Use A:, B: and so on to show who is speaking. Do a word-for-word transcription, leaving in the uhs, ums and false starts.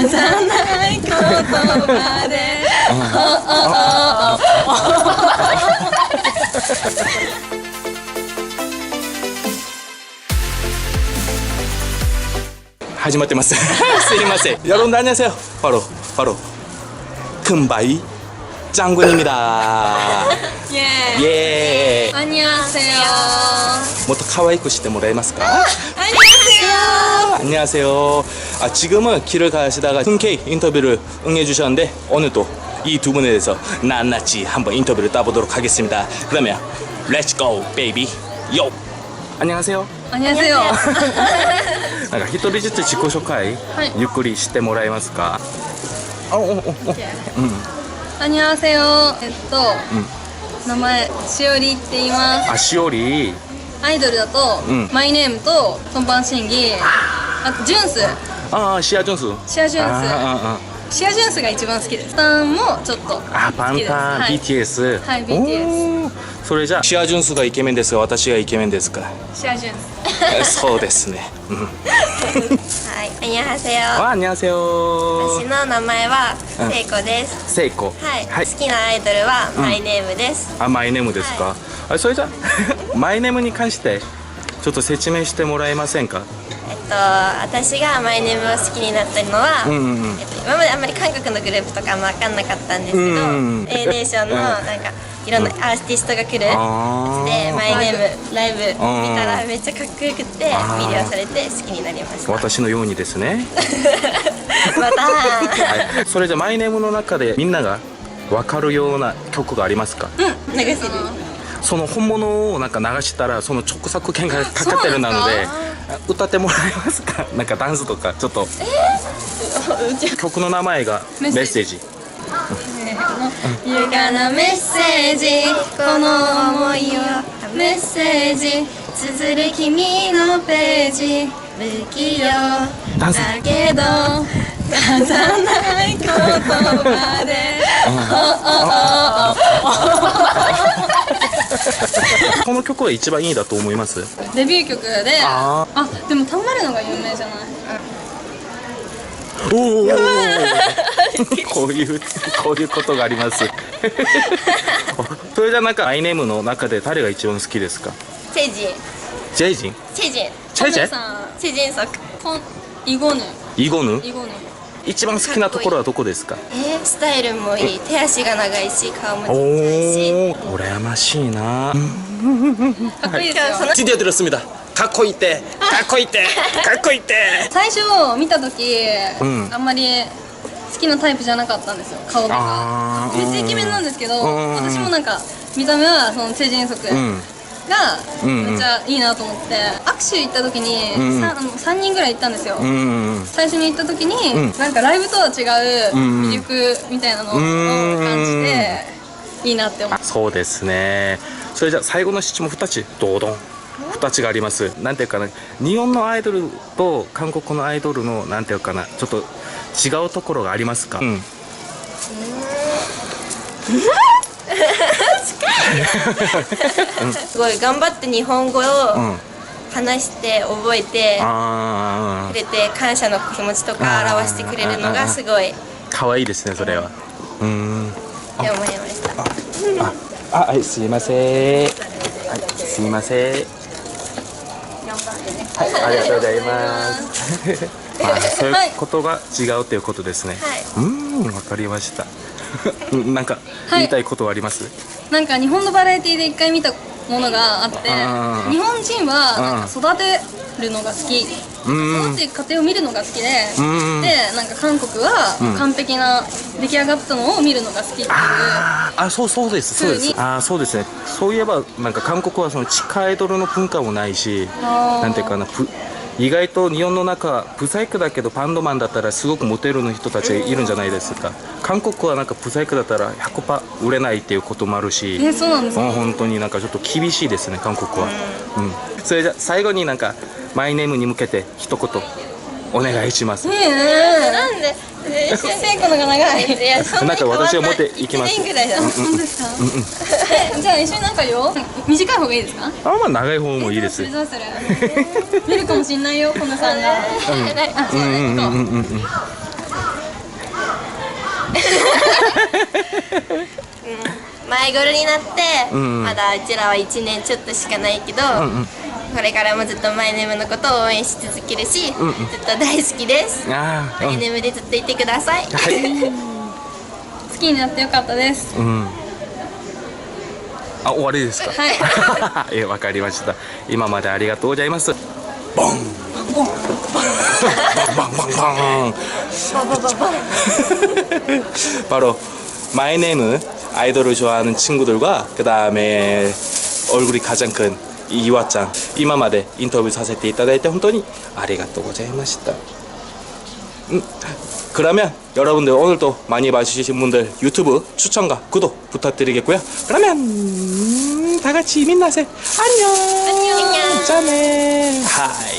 A: ない言葉で
B: 始まってます。すいません。여러분들 안녕하세요. 바로 바로 금바이 짱군입니다.
A: 예.
B: 예.
A: 안녕하세요.
B: もっと可愛くしてもらえますか?
A: 안녕하세요.
B: 안녕하세요. 아, 지금은 길을 가시다가 흔쾌히 인터뷰를 응해주셨는데 오늘 또 이 두 분에 대해서 낱낱이 한번 인터뷰를 따보도록 하겠습니다. 그러면 Let's go, baby. Yo. 안녕하세요.
A: 안녕하세요.
B: なんか一人ずつ自己紹介、
A: はい、
B: ゆっくりしてもらえますか? 어, 어, 어, 어. 음.
A: 안녕하세요. えっと、
B: うん
A: 名前しおりって言います。
B: あ、しおり。
A: アイドルだと、
B: うん、
A: マイネームとトンパン審議、あとジュンス。
B: ああ、シアジュンス。
A: シアジュンス。
B: あああ
A: シアジュンスが一番好きです。パンもちょっと好きです。
B: あ、パンタン、はい、ビーティーエス。
A: はい、ビーティーエス。
B: それじゃあシアジュンスがイケメンですが私がイケメンですか?
A: シアジュン
B: ス。そうですね。うん、
C: はい、안녕하세요。
B: あ、안녕하세요。
C: 私の名前はセイコです。
B: セイコ。
C: はい。はい、好きなアイドルはマイネームです。
B: うん、あ、マイネームですか。はい、あ、それじゃあマイネームに関してちょっと説明してもらえませんか？
C: えっと、私がマイネームを好きになったのは、うんうんうん、えっと、今まであんまり韓国のグループとかあんま分かんなかったんですけど、うんうん、A ネーションのなんかいろんなアーティストが来るやつで、マイネームライブ見たらめっちゃかっこよくて魅了されて好きになりました。
B: 私のようにですね。
C: また、
B: はい、それじゃマイネームの中でみんなが分かるような曲がありますか？
A: うん、流せる。そ
B: の本物をなんか流したらその著作権がかかってるなので歌ってもらえますか？なんかダンスとかちょっと、えー、曲の名前がメッセージ。
A: ゆかなメッセージ、この想いをメッセージ綴る君のページ、不器用だけど足さない言葉で
B: この曲は一番いいだと思います。
A: デビュー曲で、ああ、でもたんまるのが有名じゃない？
B: おおこういうこういうことがあります。それじゃなんかアイネームの中で誰が一番好きですか？
C: チェジン。
B: チェジン。
C: チェジン。
B: チェジン。
C: チェジンソク。
A: イゴヌ。
B: イゴヌ。
A: イゴヌ。一
B: 番好きなところはどこですか？
C: えー、スタイルもいい、手足が長いし、顔もちっちゃいし。
B: おお、羨ましいな。
A: かっこいいですよ。
B: 지디어들었습니다。かっこいいって、かっこいいって、かっこいいって。
A: 最初見た時、うん、あんまり好きなタイプじゃなかったんですよ、顔とか。めっちゃイケメンなんですけど、私もなんか見た目はそのチェジンソクがめっちゃいいなと思って、握手行った時に 3, さんにんぐらい行ったんですよ。最初に行った時になんかライブとは違う魅力みたいなのを感じていいなって思って。
B: そうですね。それじゃあ最後の質問ふたつどうどんふたつがあります。なんていうかな、日本のアイドルと韓国のアイドルのなんていうかな、ちょっと違うところがありますか？うん、
C: すごい頑張って日本語を話して覚えてくれて、感謝の気持ちとか表してくれるのがすごい
B: 可愛いですね、それは。うん。
C: って思いました。
B: あ、はい、すいません。はい、すいません。はい、ありがとうございます。あ、そういうことが違うということですね。はい、うん、わかりました。なんか言いたいことはあります？
A: なんか日本のバラエティで一回見たものがあって、日本人はなんか育てるのが好き、育っていく過程を見るのが好きで、でなんか韓国は完璧な出来上がったのを見るのが好きっていう。
B: あ、そうそうですそうです。あ、そうですね。そういえばなんか韓国はその地下アイドルの文化もないし、なんていうかな、意外と日本の中ブサイクだけどバンドマンだったらすごくモテるの人たちがいるんじゃないですか。韓国はなんかブサイクだったら ひゃくパーセント 売れないっていうこともあるし、
A: え、そうなんですか？
B: 本当になんかちょっと厳しいですね、韓国は。うん、それじゃ最後になんかマイネームに向けて一言お願いします。
C: えー、なんで
A: 成功のが長い。
C: いや、そんなに変わんない。
B: なんか私は持っていきます。
C: いちねんぐらいだ。
A: 本当ですか？じゃあ一緒になんかよ、短い方がいいですか？
B: あ、まあ長い方もいいです。
A: どうする？見るかもしんないよ、このさんが。あ、そうね。
C: 前頃になって、
B: うんうん、
C: まだうちらはいちねんちょっとしかないけど、うんうん、これからもずっとマイネームのことを応援し続けるし、うんうん、ずっと大好きです。マイネームでずっといてください。はい、
A: 好きになってよかったです。
B: うん、あ、終わりですか。
A: はい。
B: え、わかりました。今までありがとうございます。ボン。ボン。ボンボンボンボン。바로 마이 네임 아이돌을 좋아하는 친구들과 그 다음에 얼굴이 가장 큰 이와짱 이마마데 인터뷰 사세테 이타다이테 혼돈히 아리가또 고자이마시타. 음, 그러면 여러분들 오늘도 많이 봐주신 분들 유튜브 추천과 구독 부탁드리겠고요. 그러면 다 같이 민나세 안녕.
C: 안녕.
B: 짠해. 하이.